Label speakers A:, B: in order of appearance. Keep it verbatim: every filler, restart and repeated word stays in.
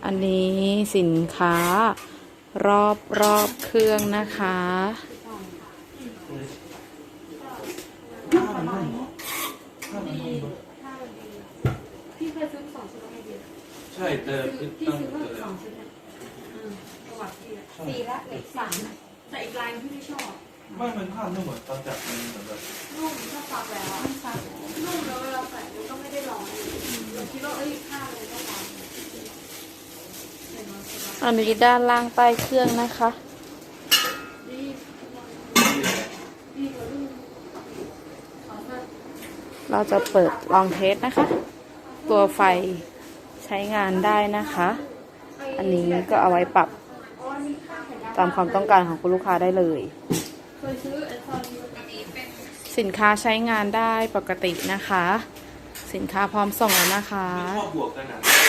A: อันนี้สินค้ารอบรอบเครื่องนะคะ
B: พี่เคยซื้อสองชุดไหมเดียว
C: ใช่แต่พี่
B: พี่
C: ตั้ง
B: ซื้อ
C: แต่
B: สองชุดเนี่ยประวัติพี่อะสี่ละเหลือสามแต่อีกลายที่ไม่ชอบ
C: ไม่มันผ้าไม่เหมือนตอนจับมันเหมือนแบบ
B: นุ่มถ้าซักแล้วซักนุ่มแล้วเวลาใส่มันก็ไม่ได้ร้อนเราคิดว่าเอ้ยผ้าเลยต้องร้อน
A: อันนี้ด้านล่างใต้เครื่องนะคะ เราจะเปิดลองเทสนะคะ ตัวไฟใช้งานได้นะคะ อันนี้ก็เอาไว้ปรับตามความต้องการของคุณลูกค้าได้เลย สินค้าใช้งานได้ปกตินะคะ สินค้าพร้อมส่งแล้วนะคะ
C: ชอบบวกกันอ่ะ